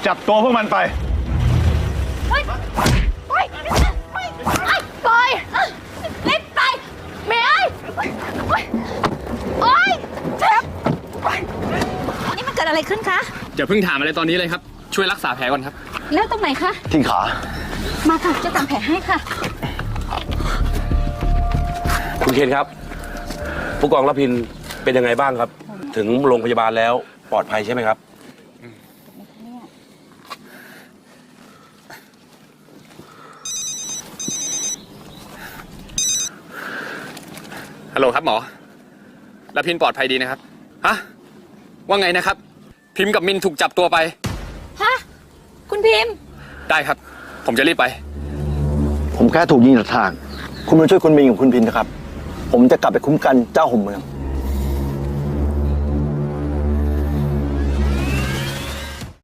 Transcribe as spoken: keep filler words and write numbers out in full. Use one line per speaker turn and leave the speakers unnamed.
จับตัวพวกมันไป
ไปไปไปปล่อยรีบไปเมย์โอ๊ยเจ็บนี่มันเกิดอะไรขึ้นคะ
อย่าเพิ่งถามอะไรตอนนี้เลยครับช่วยรักษาแผลก่อนครับ
แล้วตรงไหนคะ
ที่ขา
มาค่ะจะทำแผลให้ค่ะ
คุณเคนครับผู้กองรพินเป็นยังไงบ้างครับถึงโรงพยาบาลแล้วปลอดภัยใช่ไหมครับ
ฮัลโหลครับหมอรพินปลอดภัยดีนะครับฮะว่าไงนะครับพิมพ์กับมินถูกจับตัวไป
ฮะคุณพิมพ์
ได้ครับผมจะรีบไป
ผมแค่ถูกยิงจากทางคุณมาช่วยคุณมินกับคุณพินนะครับผมจะกลับไปคุ้มกันเจ้าห่มเมือง